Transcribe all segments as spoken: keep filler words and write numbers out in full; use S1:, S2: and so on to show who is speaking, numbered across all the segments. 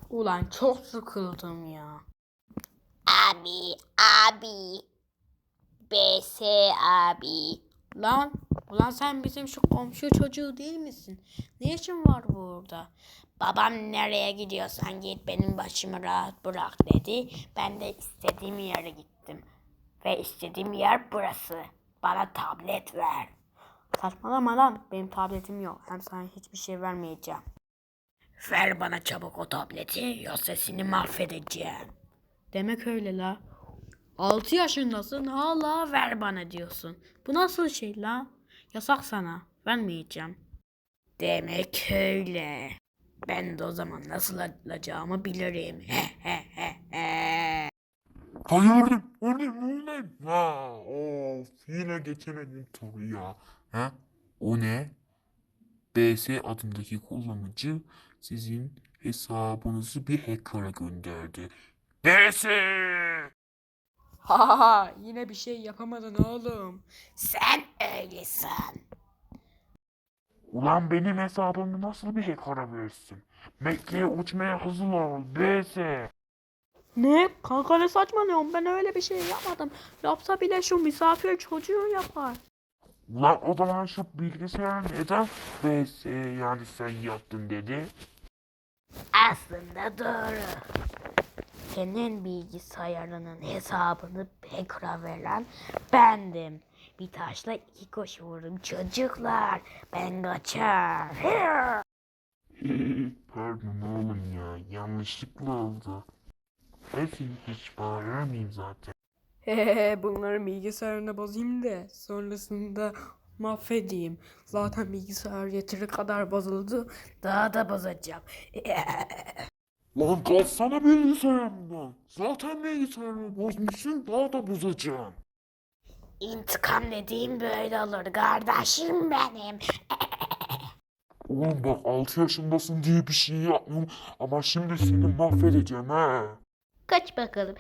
S1: Ulan çok sıkıldım ya.
S2: Abi, abi, B S abi.
S1: Lan, ulan sen bizim şu komşu çocuğu değil misin? Ne işin var burada?
S2: Babam nereye gidiyorsan git benim başımı rahat bırak dedi. Ben de istediğim yere gittim. Ve istediğim yer burası. Bana tablet ver.
S1: Saçmalama lan, benim tabletim yok. Hem sana hiçbir şey vermeyeceğim.
S2: Ver bana çabuk o tableti yoksa seni mahvedeceğim.
S1: Demek öyle la. Altı yaşındasın hala ver bana diyorsun. Bu nasıl şey la? Yasak sana. Vermeyeceğim.
S2: Demek öyle. Ben de o zaman nasıl alacağımı bilirim.
S3: Hayır, o ne, o ne? Ha, of, yine geçemedim turu ya. Ha? O ne? B S adındaki kullanıcı sizin hesabınızı bir hacker'a gönderdi. B S!
S1: Ha ha ha, yine bir şey yapamadın oğlum.
S2: Sen öylesin.
S3: Ulan benim hesabımı nasıl bir hacker'a verirsin? Mekke'ye uçmaya hazır ol, B S!
S1: Ne? Kanka ne saçmalıyorsun? Ben öyle bir şey yapmadım. Yapsa bile şu misafir çocuğu yapar.
S3: Ulan o zaman şu bilgisayar neden B S yani sen yaptın dedi?
S2: Aslında doğru. Senin bilgisayarının hesabını hacker'a veren bendim. Bir taşla iki kuş vururum çocuklar. Ben kaçar.
S3: Pardon oğlum ya, yanlışlıkla oldu. Neyse, hiç bağıramayayım zaten.
S1: Hehehe, bunları bilgisayarına bozayım da sonrasında mahvedeyim. Zaten bilgisayar yeteri kadar bozuldu.
S2: Daha da bozacağım.
S3: Lan kalsana bilgisayarımdan. Zaten bilgisayarımı bozmuşsun, daha da bozacağım.
S2: İntikam dediğim böyle olur kardeşim benim.
S3: Oğlum bak, altı yaşındasın diye bir şey yapmıyorum ama şimdi seni mahvedeceğim ha.
S2: Kaç bakalım.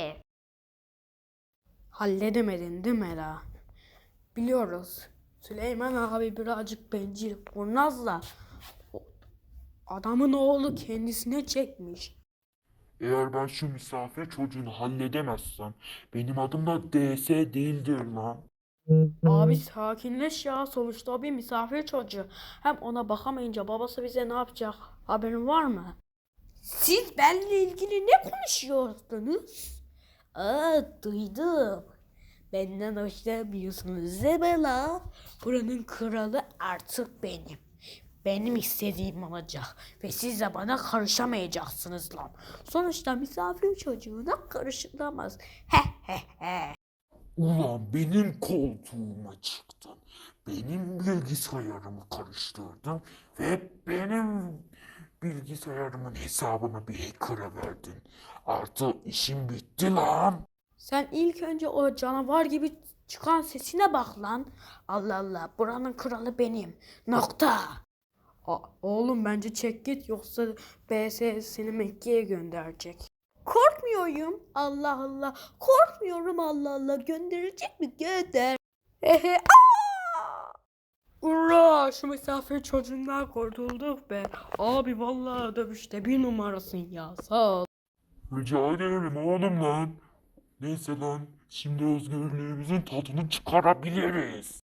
S1: Halledemedin değil mi la? Biliyoruz. Süleyman abi birazcık bencil, kurnazla. O- Adamın oğlu kendisine çekmiş.
S3: Eğer ben şu misafir çocuğunu halledemezsem benim adım da D S değildir lan.
S1: Abi sakinleş ya. Sonuçta o bir misafir çocuğu. Hem ona bakamayınca babası bize ne yapacak? Haberin var mı? Siz benimle ilgili ne konuşuyordunuz? Aa, duydum. Benden hoşlanmıyorsunuz değil mi la? Buranın kralı artık benim. Benim istediğim olacak. Ve siz de bana karışamayacaksınız lan. Sonuçta misafir çocuğuna karışılamaz. He he he.
S3: Ulan benim koltuğuma çıktın. Benim bilgisayarımı karıştırdın ve benim bilgisayarımın hesabını bir hacker'a verdin. Artık işim bitti lan.
S1: Sen ilk önce o canavar gibi çıkan sesine bak lan. Allah Allah, buranın kralı benim. Nokta. A- oğlum bence çek git, yoksa B S seni Mekke'ye gönderecek. Korkmuyorum. Allah Allah. Korkmuyorum, Allah Allah. Gönderecek mi? Gönder. Ehe. Aa! Ura, şu misafir çocuğundan kurtulduk be. Abi vallahi dövüşte bir numarasın ya. Sağ ol.
S3: Rica ederim oğlum lan. Neyse lan, şimdi özgürlüğümüzün tadını çıkarabiliriz.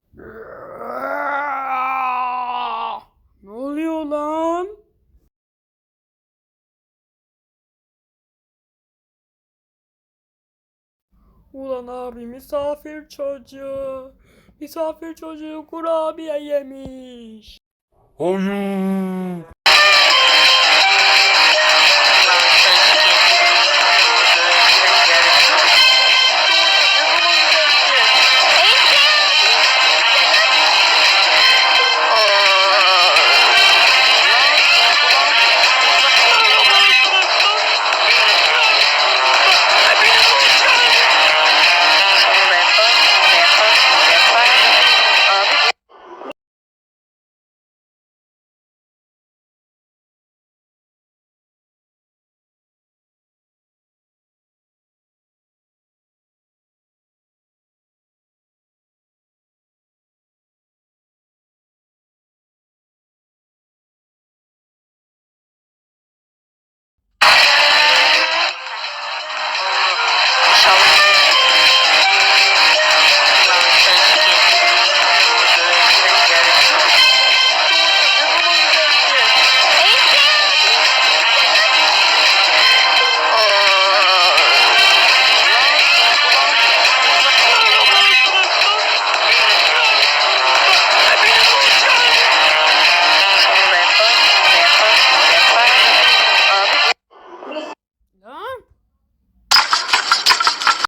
S1: Ne oluyor lan? Ulan abi, misafir çocuğu. Misafir çocuğu kurabiye yemiş.
S3: Hayır.